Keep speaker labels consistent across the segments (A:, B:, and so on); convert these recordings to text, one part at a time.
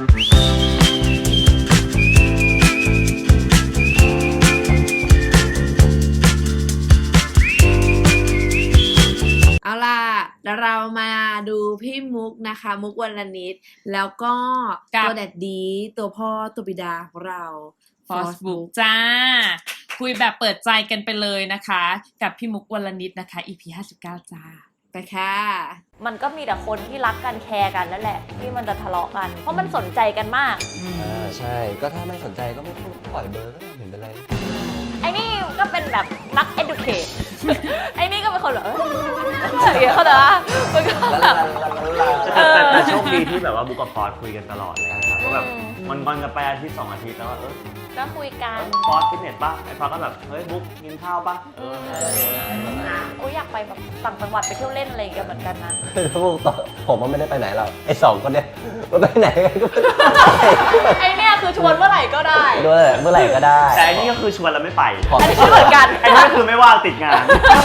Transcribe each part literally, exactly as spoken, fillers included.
A: เอาล่ะเรามาดูพี่มุกนะคะมุกวรรณิตแล้วก็ตัวแดดดีตัวพ่อตัวบิดาของเรา
B: Force Book จ้าคุยแบบเปิดใจกันไปเลยนะคะกับพี่มุกวรรณิตนะคะ อี พี ห้าสิบเก้าจ้า
A: ไปค่ะ
C: มันก็มีแต่คนที่รักกันแคร์กันนั่นแหละที่มันจะทะเลาะกันเพราะมันสนใจกันมาก
D: อ่าใช่ก็ถ้าไม่สนใจก็ไม่ปล่อยเบอร์ก็ไม่เห็นเป็นไร
C: ไอ้นี่ก็เป็นแบบนัก educate ไอ้นี่ก็เป็นคนแบบเอออย่างเงี้ยเขาแต่ว่ามันก็แบบ
E: แต่แต่โชคดีที่แบบว่าบุ๊กกับฟอสคุยกันตลอดเลยครับก็แบบมันงอนกันไปอาทิตย์สองอาทิตย์แล้วเออ
C: ก็คุยกัน
E: ฟอสฟิตเนสป่ะไอ้ฟอสก็แบบเฮ้ยบุ๊กกินข้าวป่ะเออ
C: โอ้ยอยากไปแบบต่างจังหวัดไปเที่ยวเล่นอะไรกันเหมือนกันนะ
D: บุ๊กผมว่าไม่ได้ไปไหนหรอกไอ้สองคนเนี้ยมันไปไหนกันก็
C: ไอ้เนี่ยคือชวนเมื่อไหร่ก็ได้
D: ด้วยเมื่อไหร่ก็ได้
E: แต่อันนี้ก็คือชวนแล้วไม่ไป
C: อันนี้ก็เหมือนกัน
E: อันนี้ก็คือไม่ว่างติดงาน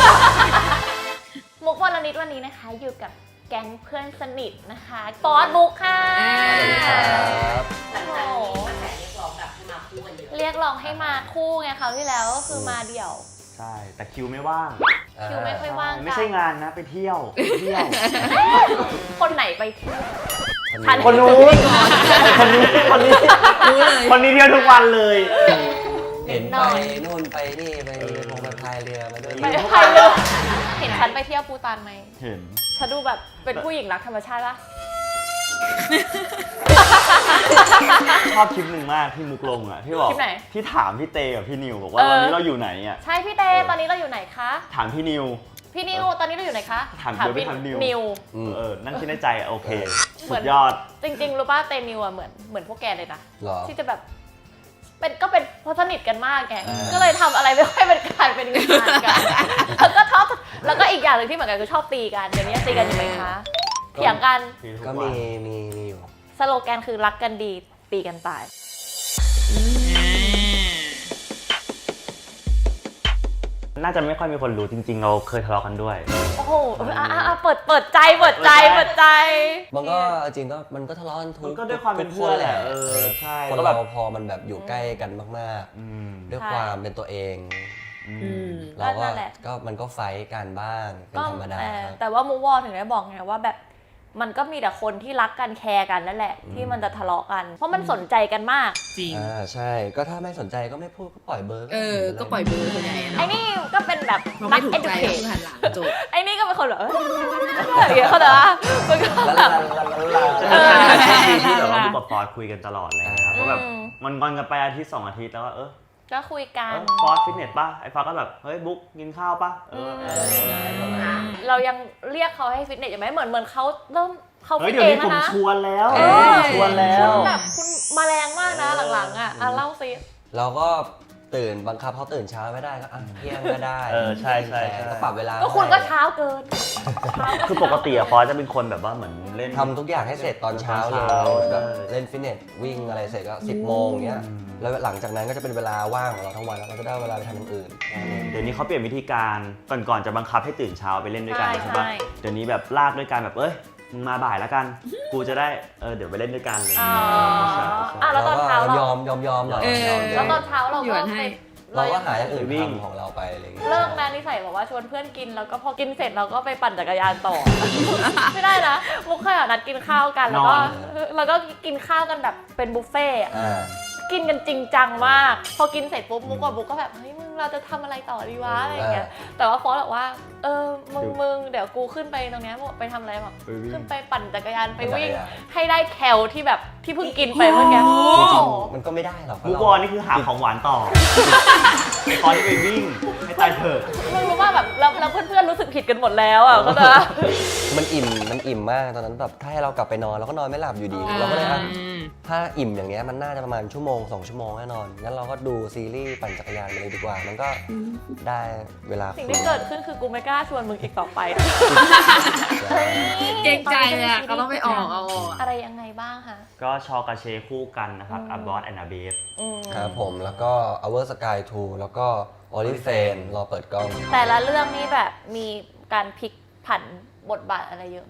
C: มุกวรรณิตวันนี้นะคะอยู่กับแก๊งเพื่อนสนิทนะคะฟอสบุ๊กค่ะเรียกร้องให้มาคู่ไงคราวที่แล้วก็คือมาเดี่ยว
E: ใช่แต่คิวไม่ว่าง
C: คิวไม่ค่อยว่าง
E: ไม่ใช่งานนะไปเที่ยวไปเที่ยว
C: คนไหนไปเที่ยว
E: คนนู้นคนนี้คนนี้คนนี้เที่ยวทุกวันเลย
D: เห็นไปนู่นไปนี่ไปลงไปพายเรือมาด้วย
C: ไปพายเรือเห็นฉันไปเที่ยวปูตานไหม
E: เห็น
C: ฉันดูแบบเป็นผู้หญิงรักธรรมชาติป่ะ
E: ชอบคลิปหนึ่งมากที่มุกลงอ่ะที่บอกที่ถามพี่เตกับพี่นิวบอกว่าตอนนี้เราอยู่ไหนอ่ะ
C: ใช่พี่เตตอนนี้เราอยู่ไหนคะ
E: ถามพี่นิว
C: พี่นิวตอนนี้เราอยู่ไหนคะ
E: ถามพี่นิวเออนั่งคิดในใจโอเคสุดยอด
C: จริงๆรู้ป่ะเตนิวอ่ะเหมือนเหมือนพวกแกเลยนะที่จะแบบเป็นก็เป็นเพราะสนิทกันมากแกก็เลยทำอะไรไม่ค่อยเป็นการเป็นงานกันแล้วก็ชอบแล้วก็อีกอย่างหนึ่งที่เหมือนกันคือชอบตีกันเดี๋ยวนี้ตีกันอยู่ไหมคะเถียงกัน
D: ก็มีมีมีอยู่
C: สโลแกนคือรักกันดีตีกันตาย
E: น่าจะไม่ค่อยมีคนรู้จริงๆเราเคยทะเลาะกันด้วย
C: โอ้โหอ่ะเปิดเปิดใจเปิดใจเปิดใจ
D: มันก็จริงก็มันก็ทะเลาะกันทุก
E: ก็ด้วยความเป็นเพื่อนแหละเออใช่
D: คนเราพอมันแบบอยู่ใกล้กันมากๆด้วยความเป็นตัวเองเราก็ก็มันก็ไฟท์กันบ้างเป็นธรรมดา
C: แต่ว่ามูวอลถึงได้บอกไงว่าแบบมันก็มีแต่คนที่รักกันแคร์กันนั่นแหละที่มันจะทะเลาะกันเพราะมันสนใจกันมาก
B: จริง
D: อ่าใช่ก็ถ้าไม่สนใจก็ไม่พูดก็ปล่อยเบอร์
A: เออก็ปล่อยเบอร์คนใหญ่
C: ไอ้นี่ก็เป็นแบบ
A: นักเอ็ดูเคทหันหลังจบ
C: ไอ้นี่ก็เป็นคนแบบอย่างเงี้ยเขาแต่ว่ามันก็แบบ
E: ที่แบบว่าบุ๊กกับฟอสคุยกันตลอดเลยครับก็แบบมันงอนกันไปอาทิตย์สองอาทิตย์แล้วเออ
C: ก็คุยกัน
E: ฟอสฟิตเนสป่ะไอ้ฟอสก็แบบเฮ้ยบุ๊กกินข้าวป่ะเออ
C: เรายังเรียกเขาให้ฟิตเนสอยู่ไหมเหมือนเหมือนเขาเริ่มเขา
E: ฟิตเองนะชวนแล้วชวนแล้ว
C: แบบคุณมาแรงมากนะหลังๆอ่ะเล่าซิ
D: เราก็ตื่นบังคับเขาตื่นเช้าไม่ได้ก็เที่ยงก็ได้
E: เออใช่ใช่
D: ก็ปรับเวลา
C: ก็คุณก็เช้าเกิน
E: คือปกติอะฟอสจะเป็นคนแบบว่าเหมือนเล่น
D: ทำทุกอย่างให้เสร็จตอนเช้าเลยแบบเล่นฟิตเนสวิ่งอะไรเสร็จก็สิบโมงเงี้ยแล้วหลังจากนั้นก็จะเป็นเวลาว่างของเราทั้งวันแล้วเราจะได้เวลาไปทำอย่างอื่น
E: เดี๋ยวนี้เขาเปลี่ยนวิธีการก่อนก่อนจะบังคับให้ตื่นเช้าไปเล่นด้วยกันใช่ปะเดี๋ยวนี้แบบลากด้วยกันแบบเอ้ยมึงมาบ่ายแล้วกันกูจะได้เออเดี๋ยวไปเล่นด้วยกันเลย
C: อ๋ออ่ะแล้วตอนเช้าเรา
D: ยอมยอมยอมหน่อย
C: แล้วตอนเช้าเราก็
D: เราก็หาอย่างอื่นวิ่งของเราไปอะไรอย่างเงี้ย
C: เลิกนะนิสัยบอกว่าชวนเพื่อนกินแล้วก็พอกินเสร็จเราก็ไปปั่นจักรยานต่อไม่ได้นะมุกเคยนัดกินข้าวกันแล้วก็แล้วก็กินข้าวกันแบบเป็นบุฟเฟ่ต์กินกันจริงจังมากพอกินเสร็จปุ๊บมุกกับบุ๊กก็แบบเฮ้ยมึงเราจะทำอะไรต่อดีวะอะไรเงี้ยแต่ว่าฟอสบอกว่าเออมึงมึงเดี๋ยวกูขึ้นไปตรงนี้ไปทำอะไรบอกขึ้นไปปั่นจักรยานไปวิ่งให้ได้แคลที่แบบที่เพิ่งกินไปเมื่อกี้
D: มันก็ไม่ได้หรอก
E: บุ๊กวอนี่คือหาของหวานต่อไอ้ตอนที่ไปวิ่งให้ตายเถอะ
C: มึงรู้ว่าแบบแล้วเพื่อนๆรู้สึกผิดกันหมดแล้วอ่ะก็จะ
D: มันอิ่มมันอิ่มมากตอนนั้นแบบถ้าให้เรากลับไปนอนเราก็นอนไม่หลับอยู่ดีเราก็เลยถ้าอิ่มอย่างเงี้ยมันน่าจะประมาณชั่วโมงสองชั่วโมงแน่นอนงั้นเราก็ดูซีรีส์ปั่นจักรยานไปเลยดีกว่ามันก็ได้เวลา
C: สิ่งที่เกิดขึ้นคือกูไม่กล้าชวนมึงอีกต่อไป
A: เกรงใจเลยก็ต้องไปออกเอา
C: อะไรยังไงบ้างคะ
E: ก็ชอกาเชคู่กันนะครับอับบอสแอนนาเบฟ
D: ครับผมแล้วก็ Our Sky ทูแล้วก็ Oriflame รอเปิดกล้อง
C: แต่ละเรื่องนี้แบบมีการพลิกผันบทบาทอะไรเยอะไหม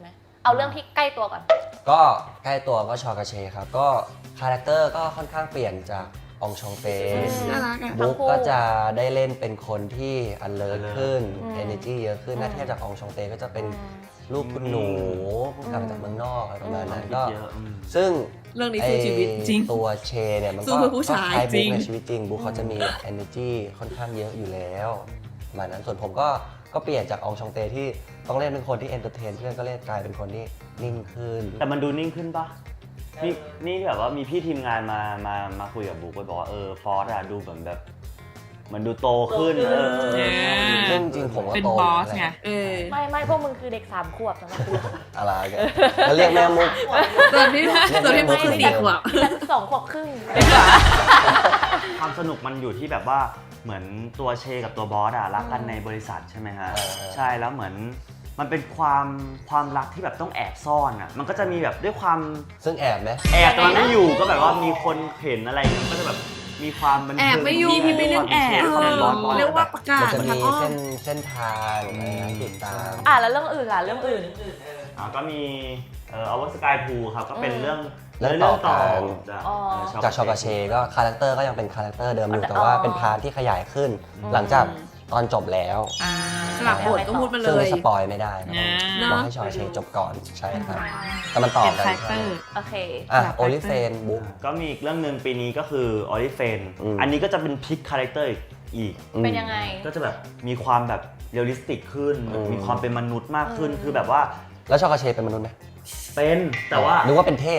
C: เอาเรื่องที่ใกล้ตัวก่อน
D: ก็ใกล้ตัวก็ชอกาเชครับก็คาแรคเตอร์ก็ค่อนข้างเปลี่ยนจากองชองเป
A: น่ารักอ่ะ
D: บุ๊กก็จะได้เล่นเป็นคนที่ alert ขึ้น
C: อืม
D: energy เยอะขึ้น
C: อืม
D: ถ้าเทียบจากองชองเตก็จะเป็น
C: อืม
D: ลูกคุณหนูเพิ่งกลับมาจากเมืองนอกอะไรประมาณนั้น
E: คิด
D: ก็
E: เยอะอืม
D: ซึ่ง
A: เรื่องนี้สู้ชีวิต
D: ไอ้
B: จริง
D: ตัวเชเนี่ยมัน
A: สู้
D: ก็
A: เพื่อผู้ชาย
D: ก็คล้าย
B: จริ
D: บุ๊ก
B: ง
D: ในชีวิตจริงบุ๊กเขาจะมี energy ค่อนข้างเยอะอยู่แล้วประมาณนั้นส่วนผมก็ก็เปลี่ยนจากองชองเตที่ต้องเล่นเป็นคนที่ entertain เพื่อนก็เล่นกลายเป็นคนที่นิ่งขึ้น
E: แต่มันดูนิ่งขึ้นปะนี่นี่แบบว่ามีพี่ทีมงานมามามาคุยกับบุ๊กไปบอกว่าเออฟอสอะดูเหมือนแบบเหมันดูโตขึ้นเออเออ
B: เออ
D: ซึ่งจริงๆผมก็
B: เป็น
D: โต
B: บอส
D: แล้ว
B: ไง
A: เออ
C: ไม่ไม่พวกมึงคือเด็กสามขวบสำหรับกู
D: อะไรกันแล้วเรียกแม่มุก
A: ส่วนที่ส่วนที่มุกคือสี่ขวบ
C: ฉันสองขวบครึ่ง
E: ความสนุกมันอยู่ที่แบบว่าเหมือนตัวเชกับตัวบอสอะรักกันในบริษัทใช่ไหมฮะ
D: เออเออ
E: ใช่แล้วเหมือนมันเป็นความความรักที่แบบต้องแอบซ่อนอะมันก็จะมีแบบด้วยความ
D: ซึ่งแอบไหม
E: แอบตอนไม่อยู่ก็แบบว่ามีคนเห็นอะไรอย่างเงี้ยก็จะแบบมีความบัน
A: แอ
E: เทิ
A: บ
E: ง
A: ไม่อยู่
B: พี่ไม่เรื่องแอบ
E: ความเป็นบอสบอส
A: เรียกว่าประกา
D: มัน
A: ศ
D: จะ
A: ทา
D: มี
A: งอ้อ
D: เส้
A: ม
D: นเส้นทางอะไรนะติดตาม
C: อ่ะแล้วเรื่องอื่นล่ะเรื่องอื่น
E: อ่าก็มีเอ่อ Our Sky Pool ครับก็เป็น
C: อืม
E: เรื่อง
D: เรื่องต่อกัน
E: จาก
C: อ๋อ
E: เอ่อ
D: จากชอกาเชก็คาแรคเตอร์ก็ยังเป็นคาแรคเตอร์เดิมอยู่
C: แต่
D: แต่ว่า
C: อ๋อ
D: เป็นพาร์ทที่ขยายขึ้น
C: อืม
D: หลังจากตอนจบแล้ว
B: อ่า
A: สลับบทก็พูดมาเล
D: ซึ่ง
A: ย
D: สปอยไม่ได้นะ
B: อ่า
D: บอกให้ชอกาเชจบก่อนใช่ครับแต่มันต่อ
B: เป็น
D: กัน
B: คาแรคเตอร์
C: โอเค
D: อ่ะ
B: แบบ
D: โอลิเฟนบุ๊ก
E: ก็มีอีกเรื่องหนึ่งปีนี้ก็คือ o l i f a n
D: อืม
E: อันนี้ก็จะเป็นพลิกคาแรคเตอร์อีก
C: เป็นยังไง
E: ก็จะแบบมีความแบบเรียลลิสติกขึ้น
D: อืม
E: มีความเป็นมนุษย์มากขึ้น
C: อืม
E: คือแบบว่า
D: แล้วชอกาเชเป็นมนุษย์ไหม
E: เป็นแต่ว่า
D: นึกว่าเป็นเทพ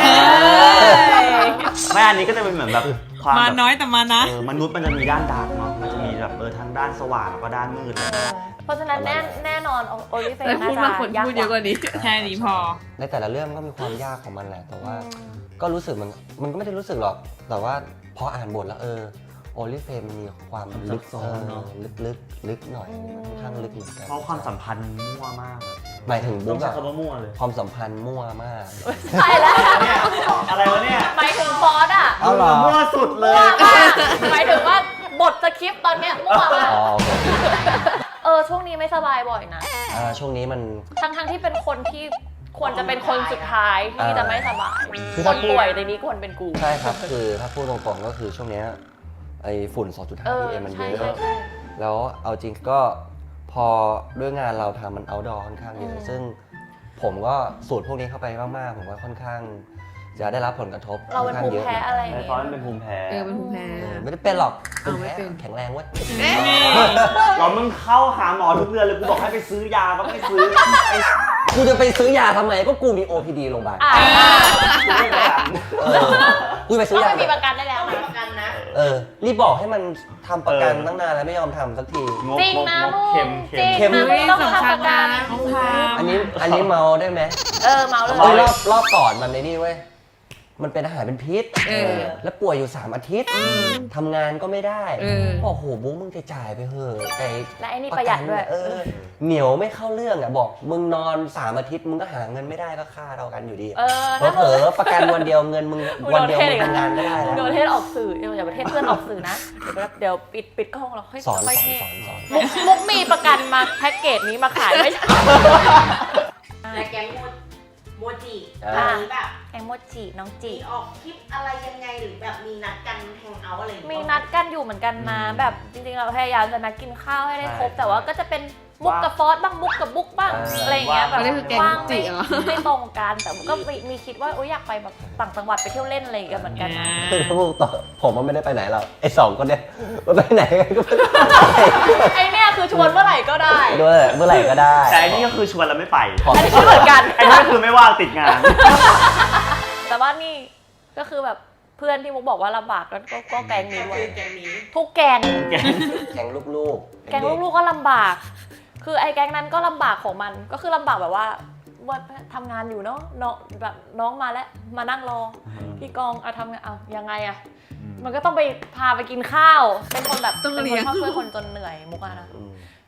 E: ไม่อันนี้ก็จะเป็นเหมือนแบบความ
B: มา
E: แบบ
B: น้อยแต่มานะ
E: เออมนุษย์มันจะมีด้านดาร์กเนาะมันจะมีแบบเออทั้งด้านสว่างแล้วก็ด้านมืดอะไรอย่างเงี้ย
C: เพราะฉะนั้นแน่แน่นอนโอลิเฟน
A: แต่
C: น่า
A: พูด
C: จะ
A: มาคน
C: ยาก
A: พูด
C: ก
A: เยอะก
C: ว่า
A: ว่านี้
B: แค่นี้พอ
D: ในแต่ละเรื่องมันก็มีความยากของมันแหละ แต่ว่าก็รู้สึกมันมันก็ไม่ได้รู้สึกหรอก แต่ว่าพออ่านบทแล้วเออโอลิเฟนมันมีความลึก
E: ซับซ้อนเนอะ
D: ลึกลึกลึกหน่อยมันค่อนข้างลึกเหมือนกัน
E: เพราะความสัมพันธ์มั่วมาก
D: หมายถึง
E: ต้
D: บุ๊
E: อง
D: ก
E: ใช้
D: อะ
E: คำว่ามั่วเลย
D: ความสัมพันธ์มั่วมาก
C: ใช่แล้ว
E: เนี่ยอะไรวะเนี่ย
C: หมายถึงฟอสอ่ะ
D: เอาเหรอ
E: มั่วสุดเล
C: มั่วย มากหมายถึงว่าบทสคริปต์ตอนเนี้ยมั่วมาก
D: อ๋อโอเค
C: เออช่วงนี้ไม่สบายบ่อยนะ
D: อ่าช่วงนี้มัน
C: ทั้งทั้งที่เป็นคนที่ควรจะเป็นคนสุดท้ายที่จะไม่สบาย
D: คือ
C: ค
D: ถ้าน
C: ป่วยในนี้ควรเป็นกู
D: ใช่ครับ คือถ้าพูดตรงๆก็คือช่วงเนี้ยไอ้ฝุ่น สองจุดห้า
C: เออ
D: พี เอ็ม มันเย
C: ใช่
D: อะ
C: ใช่ใช่
D: แล้วเอาจริงก็พอด้วยงานเราทำมัน outdoor ค่อนข้างเย
C: อื
D: อะ
C: ม
D: ซึ่งผมก็สูตรพวกนี้เข้าไปมากๆ ผมว่าค่อนข้าง จะได้รับผลกระทบ
C: เราเป็น
D: ค่อ
C: ภู
D: ข้าง
C: มิ
D: เยอะ
C: แพ้อะไรอย่าง
E: ไอ้
C: เงี้
E: ฟอน
C: ย
E: เป็นภูมิแพ้
A: เออเป็นภูมิแพ้
D: เออไม่ได้เป็นหรอก
A: เอาไม่เป็น
D: แข็งแรงเว้ย
A: เอ๊ะ
E: เรามึงเข้าหาหมอทุกเดือนเลยกูบอกให้ไปซื้อยาก็ไม่ซื้อไอ้
D: กูจะไปซื้อยาทำไมก็กูมี โอ พี ดี โรงพยาบาล
C: อ่า
E: ซื้อไม่ได้
D: เออกูไปซื้
C: ก็
D: อยา
C: ไม่มีประกันได้แล้วนะ
D: เออรีบบอกให้มันทำประกันตั้งนานแล้วไม่ยอมทำสักที
E: งก
C: จริง
E: งก
C: นะ
E: งก
C: มึง
E: เค็ม
C: จริง
E: เค็ม
C: นะมึงต้องทำประกัน
A: ต้องทำ
D: อันนี้อันนี้เมาได้ไหม
C: เออเมาเลย
D: เฮ้ยรอบรอบก่อนมันในนี่เว้ย มันเป็นอาหารเป็นพิษ
A: เออ
D: แล้วป่วยอยู่ สาม อาทิตย์ทำงานก็ไม่ได้
A: เออ
D: โอ้โหบุ๊กมึงจะจ่ายไปเหอะไอ้
C: และไอ้นี่ประหยัดด้วย
D: เออ เหนียวไม่เข้าเรื่องอ่ะบอกมึงนอน สาม อาทิตย์มึงก็หาเงินไม่ได้ก็ค่าเรากันอยู่ดี
C: เออ
D: เผ
C: ถ้า
D: ล
C: มึง
D: อๆประกันวันเดียวเงินมึงวันเดียวมึงทำงานก็ได้
C: มึง
D: แล้ว
C: โดนเทศออกสื่อเดี๋ยวอย่าไปเทศเพื่อนออกสื่อนะ เดี๋ยวเดี๋ยวปิดปิดกล้องเราค่อย
D: สอน
C: ค่อย
D: สอ
C: เท
D: น
C: ศ
D: สอนสอน
C: มุกมุกมีประกันมาแพ็กเกจนี้มาขายไม่ใช่
F: และแก๊งโมโมจิ
C: อ่า
F: อันนี้แบบ
C: แองโมจิน้องจิ
F: มีออกคลิปอะไรยังไงหรือแบบมีนัดกันแฮงเอาท์อะไรอย่าง
C: มี
F: เงี้ย
C: นัดกันอยู่เหมือนกันนะแบบจริงๆเราพยายามจะนัดกินข้าวให้ได้ครบ
D: ใช่
C: แต่ว่าก็จะเป็นมุกกับฟอสบ้างมุกกับบุ๊กบ้าง
D: อ่า
C: อะไรอย่างเงี้ยแบบ
A: อันนี้คือแก๊ง
C: ว่าง
A: จิ
C: ไม่
A: เหรอ
C: ไม่ตรงกันแต่ก็มีมีคิดว่าโอ๊ยอยากไปแบบต่างจังหวัดไปเที่ยวเล่นอะไรอย่างเงี้ยเหมือนกันนะ
D: คือถ้าพูดต่อผมมันไม่ได้ไปไหนหรอกไอ้สองคนเนี้ยมันไปไหนกันก็ไม่ได้
C: ไอเนี่ยคือชวนเมื่อไหร่ก็ได้
D: ด้วยเมื่อไหร่ก็ได้
E: แต่อันนี้ก็คือชวนเราไม่ไป
D: ขอ
C: อันนี้ก็เหมือนกัน
E: ไอ้นี่ก็คือไม่ว่างติดงาน
C: แต่ว่านี่ก็คือแบบเพื่อนที่มุกบอกว่าลำบากก็ก็ก็แกงนี้ด้วย
F: แก๊งนี้
C: ทุกแกง
E: แกง
D: แก๊งลูกๆ
C: แกงลูกๆก็ลำบาก คือไอ้แก๊งนั้นก็ลำบากของมัน ก็คือลำบากแบบว่าว่าทำงานอยู่เนาะน้องแบบน้องมาแล้ว มานั่งรอที่กองอะทำงานเอายังไงอะมันก็ต้องไปพาไปกินข้าว เป็นคนแบบ
A: ต้อง
C: เป็น
A: เลี้
C: คน
A: ยง
C: ชอบช่วยคนจนเหนื่อยมุกอะนะ
D: อืม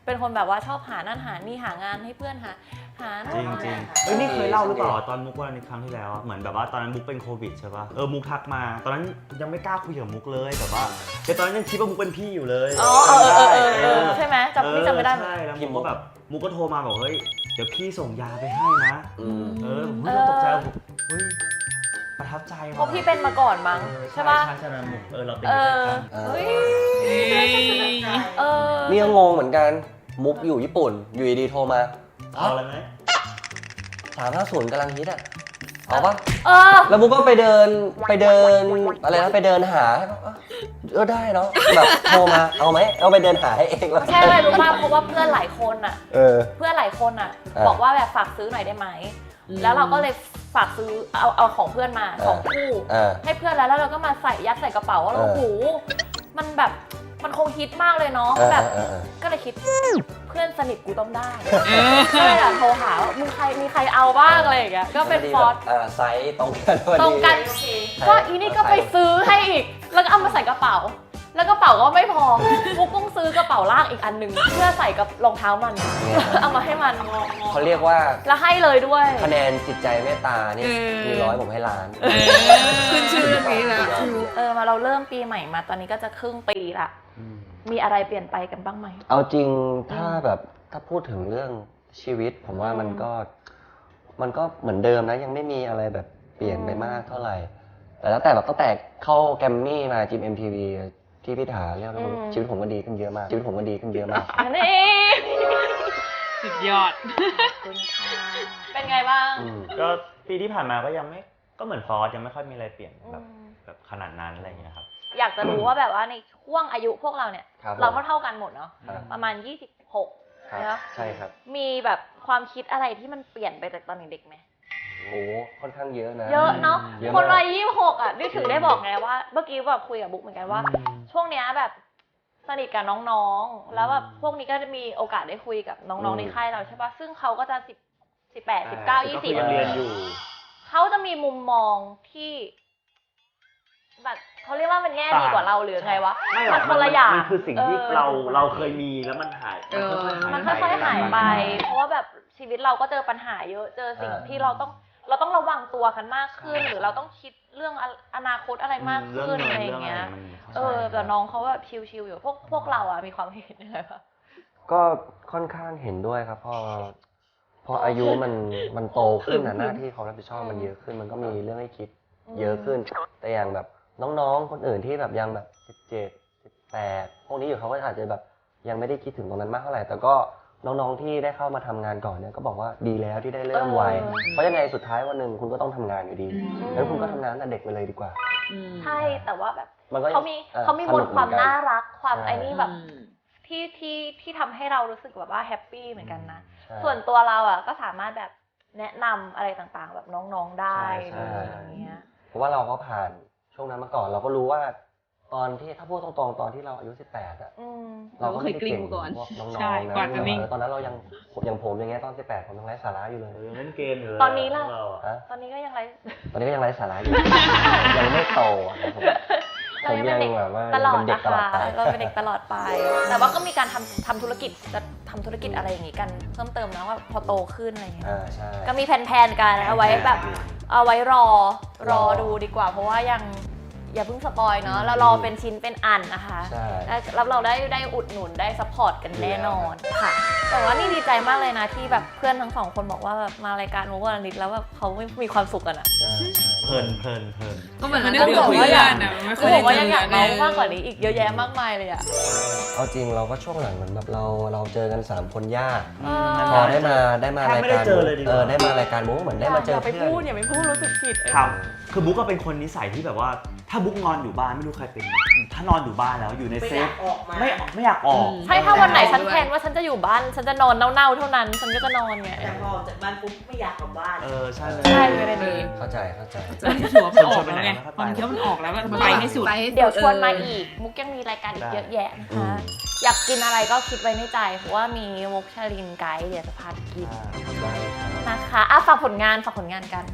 C: เป็นคนแบบว่าชอบหานั่นหานี่หางานให้เพื่อนหาหา
E: จริงจริงเฮ้ยนี่เคยเล่าหรือเปล่าตอนมุกวันนี้ครั้งที่แล้วเหมือนแบบว่าตอนนั้นมุกเป็นโควิดใช่ป่ะเออมุกทักมาตอนนั้นยังไม่กล้าคุยกับมุกเลยแบบว่าแต่ตอนนั้นยังคิดว่ามุกเป็นพี่อยู่เลย
C: อ๋อเออเออเออเออใช่ไหมจำนี่จำไม่ได้
E: ใช่แล้วมุกก็แบบมุกก็โทรมาบอกเฮ้ยเดี๋ยวพี่ส่งยาไปให้นะ
D: อืม
E: เออผมก็ตกใจผมเฮ้ยประทับใจ
C: เพราะพี่เป็นมาก่อนมั้งใช่ป่ะ
E: ใช่ใช่ใช่มุกเออเราเป็น
C: เอ
E: ด้วย
C: อ
E: กัน
C: เฮ้ย
B: เอ้ย
C: เออ
D: นี่ก็งงเหมือนกันมุกอยู่ญี่ปุ่นอยู่ดีๆโทรมา
E: เอาอะไรไหม
D: สามห้าศูนย์กำลังฮิตอ่ะเอาปะ
C: เออ
D: แล้วมุกก็ไปเดินไปเดินอะไรนะไปเดินหาเออได้เนาะแบบโทรมาเอาไหมเอาไปเดินหาให้เองแล้ว
C: ใช่เลยรู้ป่ะเพราะว่าเพื่อนหลายคนอ่ะ
D: เออ
C: เพื่อนหลายคนอ่ะ
D: อ่า
C: บอกว่าแบบฝากซื้อหน่อยได้ไหม แล้วเราก็เลยฝากซื้อเอาเอาของเพื่อนมาสองคู่
D: อ่า
C: ให้เพื่อนแล้วแล้วเราก็มาใส่ยัดใส่กระเป๋าว่า
D: เออ
C: โอ้โหมันแบบมันคงฮิตมากเลยเนาะ
D: เออ
C: แบบ
D: เออเออ
C: ก็เลยคิดเพื่อนสนิทกูต้องได้ก็เลยอะโทรหาว่ามึงใครมีใครเอาบ้างอะไรอย่างเงี้ยก็เป็นฟอร์ส
D: อ่าไซส์ตรงกันพอดี
C: ตรงกัน
F: โอเค
C: ก็อีนี่ก็ไปซื้อให้อีก แล้วก็เอามาใส่กระเป๋า แล้วกระเป๋าก็ไม่พอมุกต้องซื้อกระเป๋าลากอีกอันหนึ่งเพื่อใส่กับรองเท้ามัน เอามาให้มัน
D: เขาเรียกว่า
C: แล้วให้เลยด้วย
D: คะแนนจิตใจเมตตานี่
A: เออ
D: มีร้อยผมให้ล้าน
B: เออ
A: ขึ้นชื่อเรื่องนี้แล้ว
C: เออมาเราเริ่มปีใหม่มาตอนนี้ก็จะครึ่งปีละ
E: อืม
C: มีอะไรเปลี่ยนไปกันบ้างไหม
D: เอาจริงถ้าแบบถ้าพูดถึงเรื่องชีวิต ผมว่ามันก็มันก็เหมือนเดิมนะยังไม่มีอะไรแบบเปลี่ยนไปมากเท่าไหร่ แต่แล้วแต่แบบตั้งแต่เข้าแกรมมี่มาจิม เอ็ม ที วี ที่พี่ถาเรียกว่าชีวิตผมก็ดีขึ้นเยอะมากชีวิตผมก็ดีขึ้นเยอะมาก
C: นี่
B: สุดยอด
C: คุณค่ะเป็นไงบ้าง
D: อืม
E: ก็ปีที่ผ่านมาก็ยังไม่ก็เหมือนฟอสยังไม่ค่อยมีอะไรเปลี่ยนแบบ
C: อืม
E: แบบขนาดนั้นอะไรอย่างเงี้ยครับ
C: อยากจะรู้ว่าแบบว่าในช่วงอายุพวกเราเนี่ย
D: ครับ
C: เราก็เท่ากันหมดเนาะ
D: ครับ
C: ประมาณยี่สิบหก
D: ครับ
C: เนาะ
D: ใช่ครับ
C: มีแบบความคิดอะไรที่มันเปลี่ยนไปจากตอนเด็กๆไหม
D: โอ้ค่อนข้างเยอะนะ
C: เยอะเนาะ
D: เยอะมาก
C: คนวัยยี่สิบหกอ่ะนี่ถึงได้บอกไงว่าเมื่อกี้แบบคุยกับบุ๊กเหมือนกันว่า
E: อืม
C: ช่วงเนี้ยแบบสนิทกับน้องๆ แล้วแบบพวกนี้ก็จะมีโอกาสได้คุยกับน้องๆในค่ายเราใช่ปะซึ่งเขาก็จะสิบสิบแปดสิบเก้ายี่สิบ
E: ก็คือยังเรียนอยู่
C: เขาจะมีมุมมองที่แบบเขาเรียกว่ามันแง่ดีกว่าเราหรือไงวะ
E: ไม่หร
C: มั
E: อก
C: นคนละอย่าง
E: มันคือสิ่งที่
C: ออ
E: เราเราเคยมีแล้วมันหาย
A: เออ
C: มันค่อยๆหายไป เพราะว่าแบบชีวิตเราก็เจอปัญหาเยอะ เจอสิ่ง
D: อ่า
C: ที่เราต้องเราต้องระวังตัวกันมากขึ้น หรือเราต้องคิดเรื่องออนาคตอะไรมากขึ้นอะไรอย่างเงี้ย เออแต่น้องเขาแบบชิลๆอยู่ พวกพวกเราอะมีความเห็นยังไงปะ
D: ก็ค่อนข้างเห็นด้วยครับพอพออายุมันมันโตขึ้นนะหน้าที่ความรับผิดชอบมันเยอะขึ้น มันก็มีเรื่องให้คิดเยอะขึ้น แต่อย่างแบบน้องๆคนอื่นที่แบบยังแบบสิบเจ็ด สิบแปดพวกนี้อยู่เขาก็อาจจะแบบยังไม่ได้คิดถึงตรงนั้นมากเท่าไหร่แต่ก็น้องๆที่ได้เข้ามาทำงานก่อนเนี่ยก็บอกว่าดีแล้วที่ได้เริ่มไวเพราะยังไงสุดท้ายวันหนึ่งคุณก็ต้องทำงานอยู่ดีงั้นคุณก็ทำงานตั้งแต่เด็กไปเลยดีกว่า
C: ใช่แต่ว่าแบบ
D: มันก็
C: เขามี
D: อ่อ
C: เขามีมนต์ความ
D: สกเหอกั
C: น่ารักความ
D: ใช่
C: ไอ้นี่แบบที่ที่ที่ทำให้เรารู้สึกแบบว่าแฮปปี้เหมือนกันนะ
D: ใช่
C: ส่วนตัวเราอ่ะก็สามารถแบบแนะนำอะไรต่างๆ แบบน้องๆได้
D: ใช่
C: เล
D: ใช่
C: ยอย่างเงี้ย
D: เพราะว่าเราก็ผ่านช่วงนั้นมาก่อนเราก็รู้ว่า ตอนที่ถ้าพูดตรงๆตอนที่เราอายุสิบแปดอะ
C: อืม
D: เราก็ไม่ได้เก่ง
A: เราก็เคยกลิ้งมาก่อน
D: พวกน้อง
B: ใช่
D: ๆนะ
B: กว่าจะนิ่ง
D: เออตอนนั้นเรายังอย่างผมอย่างเงี้ยตอนสิบแปดผมยังไร้สาระอยู่เลย
E: เออเล่นเกมอยู่เลย
C: ตอนนี้ล่ะ
E: พวกเราอ
D: ฮะ
C: ตอนนี้ก็ยังไร
D: ตอนนี้ก็ยังไร้สาระอยู่ ยังไม่โตอะครับผม
C: เรายังเป็นเด็ก
D: ผมยังแบบว่า
C: ตลอด
D: เป็นเด็ก
C: นะ
D: ตลอ
C: คะ
D: ดไป
C: เราเป็นเด็กตลอดไป แต่ว่าก็มีการทำทำธุรกิจจะทำธุรกิจอะไรอย่างงี้กันเพิ่มเติมนะว่าพอโตขึ้นอะไรอย่างเงี้ย
D: อ่าใช่
C: ก็มีแผนๆกันเอาไว้แบบเอาไว้รอรอดูดีกว่า เพราะว่ายังอย่าเพิ่งสปอยเนาะเรารอเป็นชิ้นเป็นอันนะคะ
D: ใช่
C: แล้วเราได้ได้อุดหนุนได้ซัพพอร์ตกันแน่นอนค่ะ แต่ว่านี่ดีใจมากเลยนะที่แบบเพื่อนทั้งสองคนบอกว่าแบบมารายการมุกวันนิดแล้วแบบเขาไม่มีความสุขกันอะ
D: ใช่ใช่
E: เพลินเพลินเพลิน
A: ก็เหมือน
B: มั
A: มัน น
B: นึก
A: ก็
B: ถึง
A: บอก
B: เพื่
A: ว่า
B: อ
A: อยาก
B: นอะมันไม่
C: เขา
B: ค่อย
C: บ
B: ได้
C: อกว่ายังอยาก
B: เจ
C: เมา
B: อ
C: มากกว่านี้อีกเยอะแยะมากมายเลยอะ
D: เอาจริงเราก็ช่วงหลังเหมือนแบบเราเราเจอกันสามคนยาก
C: เออ
D: พอได้มาได้มา
E: แทบ
D: ราย
E: ไม่ได้
D: การ
E: เจอเลยดีกว่า
D: เออได้มารายการมุกเหมือนได้มาเจอ
C: อย่าไป
D: เพื่อน
C: พูดอย่าไปพูดรู้สึกผิด
E: ครับคือบุ๊กก็เป็นคนนิสัยที่แบบว่า ถ้าบุ๊กนอนอยู่บ้านไม่รู้ใครเป็น ถ้านอนอยู่บ้านแล้วอยู่ใน
F: ไม่
E: เซ
F: อยา
E: ฟ
F: กออกมา
E: ไม่ไม่อยากออก
C: ใช่ถ้าวันไหนฉันแพลนว่าฉันจะอยู่บ้านฉันจะนอนเน่าๆเท่านั้นฉันก็จะนอนไง
F: แต่พอออกจากบ้านปุ๊บไม่อยากกลับบ้าน
E: เออใช่
C: ใช่เลยเป็นนี้
D: เข้าใจเข้าใจ
B: ตอนที่ถือว่ามันออกแล้วไงตอนที่ว่ามันออกแล้วก็ไปให้สุด
C: เดี๋ยวชวนมาอีก มุกยังมีรายการอีกเยอะแยะนะคะ อยากกินอะไรก็คิดไว้ในใจ เพราะว่ามีมุกชาลินไกด์เดี๋ยวจะพาไปกิน
D: ได้ครับ
C: นะคะอ่ะฝากผลงานฝากผลงานกัน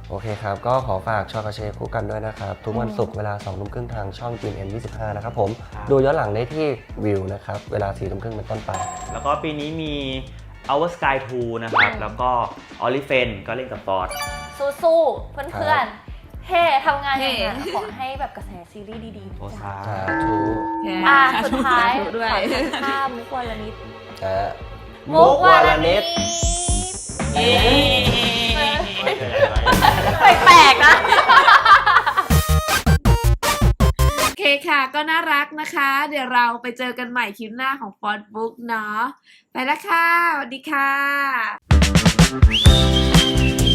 D: โอเคครับ ก็ขอฝากชอกาเชคู่กันด้วยนะครับ ทุกวันศุกร์เวลาสองทุ่มครึ่งทางช่อง จี เอ็น ยี่สิบห้า นะครับผม ดูย้อนหลังได้ที่วิวนะครับ เวลาสี่ทุ่มครึ่งเป็นต้นไป
E: แล้วก็ปีนี้มี Our Sky ทู นะครับ แล้วก็ o l i f e n ก็เล่นกับฟอร์ด
C: สู้ๆเพื่อนๆเฮ้ทำงานอย่างนั้น
A: เฮ้
C: ขอให้แบบกระแสซีรีส์ดีๆ
E: โอ
C: นะ
E: ซา
C: จ๊ะ
D: สาธุ
C: อ่ะสุดท้าย
A: สธุด้วย
C: ขอข้ามมุกวลนิด
D: อ่ะ
C: มุกวลนิด
B: เย้
C: แปลกๆนะ
A: โอเคค่ะ ก็น่ารักนะคะ เดี๋ยวเราไปเจอกันใหม่คลิปหน้าของฟอสบุ๊กเนาะ ไปแล้วค่ะ สวัสดีค่ะ